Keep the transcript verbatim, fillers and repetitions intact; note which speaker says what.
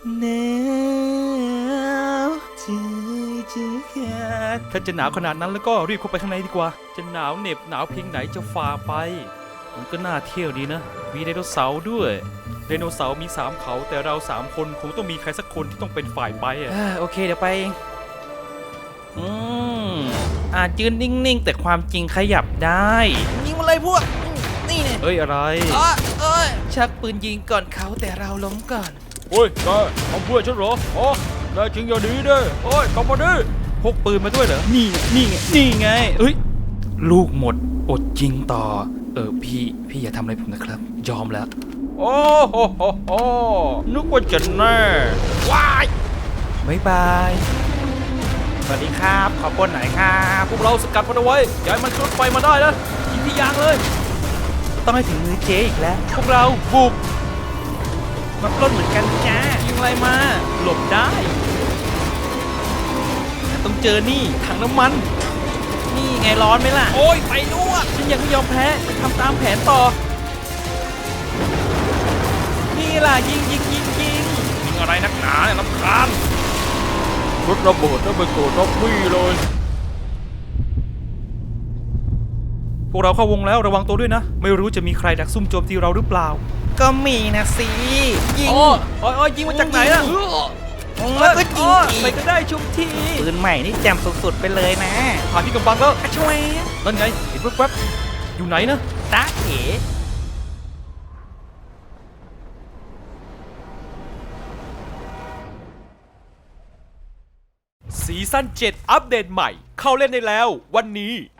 Speaker 1: หนาวจืดจืดถ้าจะหนาวขนาดนั้นแล้วก็รีบเข้าไปข้างในดีกว่าจะหนาวเหน็บหนาวเพียงไหนจะฝ่าไปมันก็น่าเที่ยวดีนะมีไดโนเสาร์ด้วยไดโนเสาร์มีสามเขาแต่เราสามคนคงต้องมีใครสักคนที่ต้องเป็นฝ่ายไปอ่ะโอเคเดี๋ยวไปเองอืมอาจยืนนิ่งๆแต่ความจริงขยับได้ยิงมาเลยพวกนี่เนี่ยเฮ้ยอะไรเอ้ยชักปืนยิงก่อนเขาแต่เราล้มก่อนโอ้ยแกทำเพื่อฉันเหรออ๋อได้จริงอย่าดีเด้โอ้ยกลับมาดิพกปืนมาด้วยเหรอนี่นี่ไงนี่ไงเอ้ยลูกหมดอดจริงต่อเออพี่พี่อย่าทำอะไรผมนะครับยอมแล้วโอ้โหโหโหนึกว่าจะแน่ว้ายบายบายสวัสดีครับขอปล้นหน่อยครับพวกเราสกัดมันเอาไว้อย่าให้มันขึ้นไฟมาได้นะยิงที่ยางเลยต้องให้ถึงมือเจ๊อีกแล้วพวกเราบุกมาปล้นเหมือนกันจ้ายิงอะไรมาหลบได้ต้องเจอนี่ถังน้ำมันนี่ไงร้อนไหมล่ะโอ้ยไฟลวกฉันยังไม่ยอมแพ้จะทำตามแผนต่อนี่ล่ะยิงยิงยิงยิงยิงอะไรนักหนาเนี่ยรำคาญรถระเบิดแล้วไปโกรธล็อกวี่เลยพวกเราเข้าวงแล้วระวังตัวด้วยนะไม่รู้จะมีใครดักซุ่มโจมตีเราหรือเปล่าก็มีนะสิยิงโอ้ยโอ้ยยิงมาจากไหนล่ะแล้วก็ยิงอีกไปก็ได้ชุบทีปืนใหม่นี่แจ่มสุดๆไปเลยนะผ่านที่กำบังแล้วช่วยนั่นไงเห็นแว๊บๆอยู่ไหนนะตาเอ๋ซีซั่นเจ็ดอัปเดตใหม่เข้าเล่นได้แล้ววันนี้